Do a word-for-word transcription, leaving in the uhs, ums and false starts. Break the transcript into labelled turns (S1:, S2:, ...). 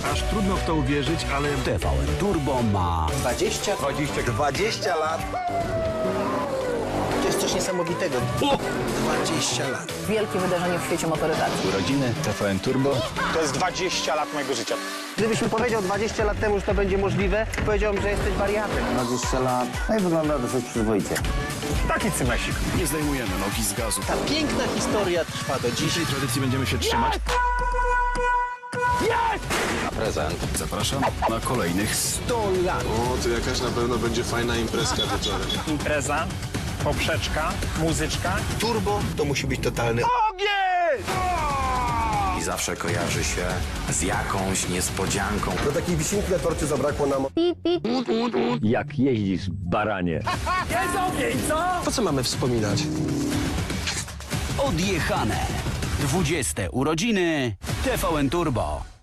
S1: Aż trudno w to uwierzyć, ale
S2: T V N Turbo ma
S3: dwadzieścia?
S1: dwadzieścia...
S3: dwadzieścia lat? To jest coś niesamowitego. dwadzieścia lat.
S4: Wielkie wydarzenie w świecie motoryzacji.
S2: urodziny T V N Turbo.
S5: To jest dwadzieścia lat mojego życia.
S3: Gdybyś mi powiedział dwadzieścia lat temu, że to będzie możliwe, powiedziałbym, że jesteś wariatem.
S6: dwadzieścia lat, no i wygląda dosyć przyzwoicie.
S5: Taki cymesik.
S2: Nie zdejmujemy nogi z gazu.
S3: Ta piękna historia trwa do dziś.
S1: Tej tradycji będziemy się trzymać.
S2: Zapraszam na kolejnych sto lat.
S7: O, to jakaś na pewno będzie fajna imprezka wieczorem.
S5: Impreza, poprzeczka, muzyczka.
S3: Turbo to musi być totalny
S2: I zawsze kojarzy się z jakąś niespodzianką.
S8: Do takiej wisienki na torcie zabrakło nam...
S9: Jak jeździsz, baranie.
S3: Po co mamy wspominać?
S2: Odjechane. dwudzieste urodziny T V N Turbo.